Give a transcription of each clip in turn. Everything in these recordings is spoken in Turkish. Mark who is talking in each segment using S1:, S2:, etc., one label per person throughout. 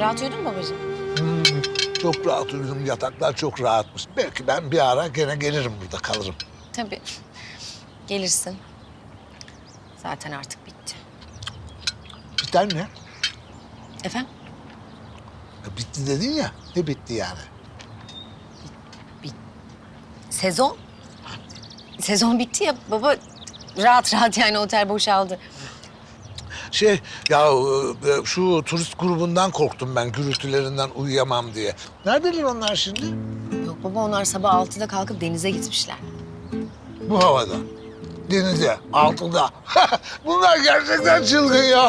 S1: Rahat uyudun mu babacığım?
S2: Çok rahat uyudum. Yataklar çok rahatmış. Belki ben bir ara gene gelirim, burada kalırım.
S1: Tabii. Gelirsin. Zaten artık bitti.
S2: Biter ne?
S1: Efendim?
S2: Bitti dedin ya. Ne bitti yani?
S1: Sezon? Sezon bitti ya baba. Rahat rahat yani otel boşaldı.
S2: Şu turist grubundan korktum ben, gürültülerinden uyuyamam diye. Neredeler onlar şimdi?
S1: Yok baba onlar sabah 6'da kalkıp denize gitmişler.
S2: Bu havada. Denize, altında. Bunlar gerçekten çılgın ya.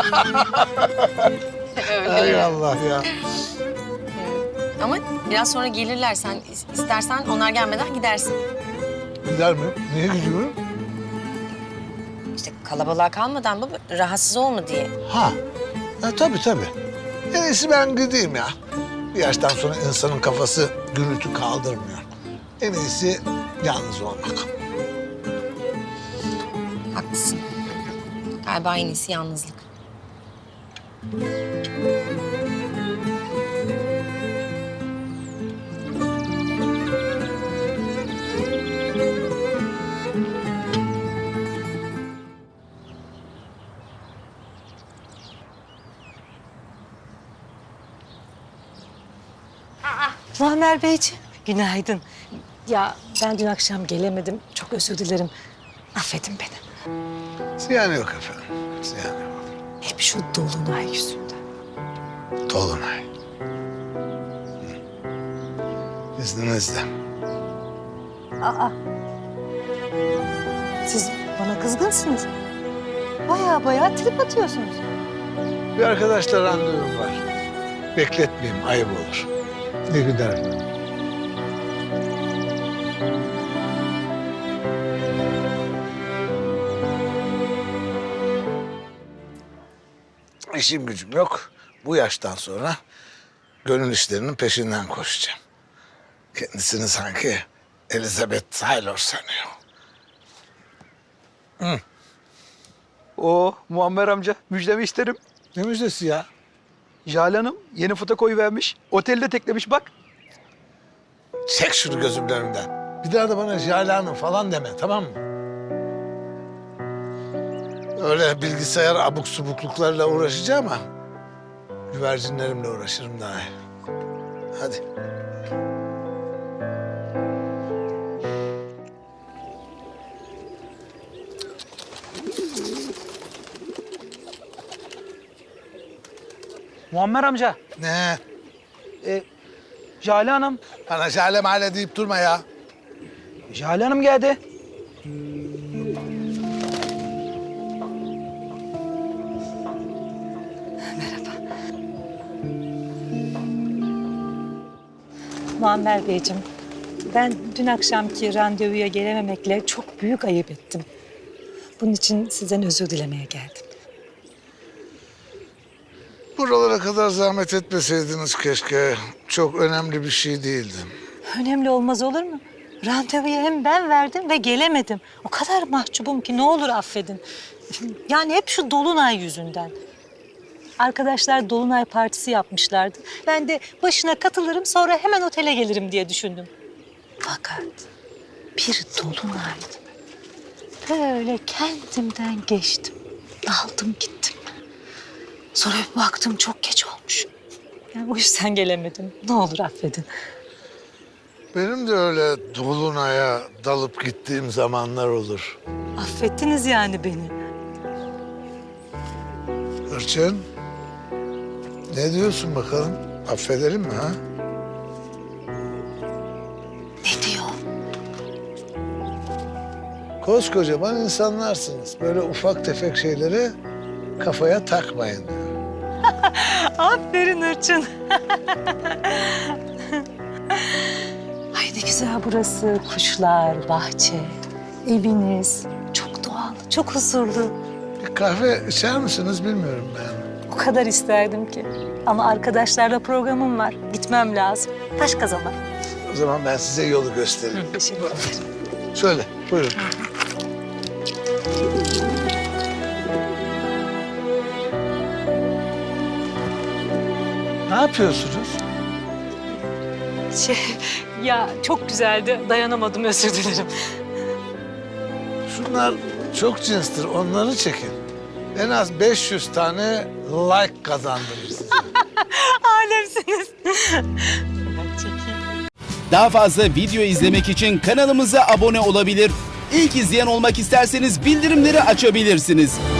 S2: Hay Allah ya.
S1: Ama biraz sonra gelirler. Sen istersen onlar gelmeden gidersin.
S2: Gider mi? Niye gidiyorum?
S1: İşte kalabalığa kalmadan baba rahatsız olma diye.
S2: Tabii tabii. En iyisi ben gideyim ya. Bir yaştan sonra insanın kafası gürültü kaldırmıyor. En iyisi yalnız olmak.
S1: Haklısın. Galiba en iyisi yalnızlık.
S3: Muammer Beyciğim, günaydın. Ya ben dün akşam gelemedim. Çok özür dilerim. Affedin beni.
S2: Ziyan yok efendim. Ziyan yok.
S3: Hep şu dolunay yüzünden.
S2: Dolunay. İzninizle.
S3: Siz bana kızgınsınız. Baya trip atıyorsunuz.
S2: Bir arkadaşla randevum var. Bekletmeyeyim, ayıp olur. İyi günler. İşim gücüm yok. Bu yaştan sonra gönül işlerinin peşinden koşacağım. Kendisini sanki Elizabeth Taylor sanıyor.
S4: Muammer amca müjdemi isterim.
S2: Ne müjdesi ya?
S4: Jale Hanım yeni foto koyuvermiş. Otelde teklemiş bak.
S2: Çek şunu gözümün önünden. Bir daha da bana Jale Hanım falan deme, tamam mı? Öyle bilgisayar abuk subukluklarla uğraşacağım ama güvercinlerimle uğraşırım daha iyi. Hadi.
S4: Muammer amca,
S2: Ne?
S4: Jale Hanım.
S2: Bana Jale Male deyip durma ya.
S4: Jale Hanım geldi.
S3: Muammer Beyciğim, ben dün akşamki randevuya gelememekle çok büyük ayıp ettim. Bunun için sizden özür dilemeye geldim.
S2: Buralara kadar zahmet etmeseydiniz keşke. Çok önemli bir şey değildi.
S3: Önemli olmaz olur mu? Randevuyu hem ben verdim ve gelemedim. O kadar mahcubum ki ne olur affedin. Yani hep şu dolunay yüzünden. Arkadaşlar dolunay partisi yapmışlardı. Ben de başına katılırım sonra hemen otele gelirim diye düşündüm. Fakat bir dolunaydı. Böyle kendimden geçtim. Daldım gittim. Sonra bir baktım çok geç olmuş. Yani o yüzden gelemedim. Ne olur affedin.
S2: Benim de öyle dolunaya dalıp gittiğim zamanlar olur.
S3: Affettiniz yani beni.
S2: Hırçın, ne diyorsun bakalım? Affedelim mi ha?
S3: Ne diyor?
S2: Koskocaman insanlarsınız. Böyle ufak tefek şeyleri kafaya takmayın diyor.
S3: Aferin Hırçın. Ay ne güzel burası. Kuşlar, bahçe, eviniz. Çok doğal, çok huzurlu.
S2: Bir kahve içer misiniz bilmiyorum ben.
S3: O kadar isterdim ki. Ama arkadaşlarla programım var. Gitmem lazım. Başka zaman.
S2: O zaman ben size yolu göstereyim.
S3: Teşekkür ederim.
S2: Şöyle, buyurun. yapıyorsunuz?
S3: Ya çok güzeldi. Dayanamadım, özür dilerim.
S2: Şunlar çok cinstir, onları çekin. En az 500 tane like kazandınız.
S3: Alemsiniz. Ben çekeyim.
S5: Daha fazla video izlemek için kanalımıza abone olabilir. İlk izleyen olmak isterseniz bildirimleri açabilirsiniz.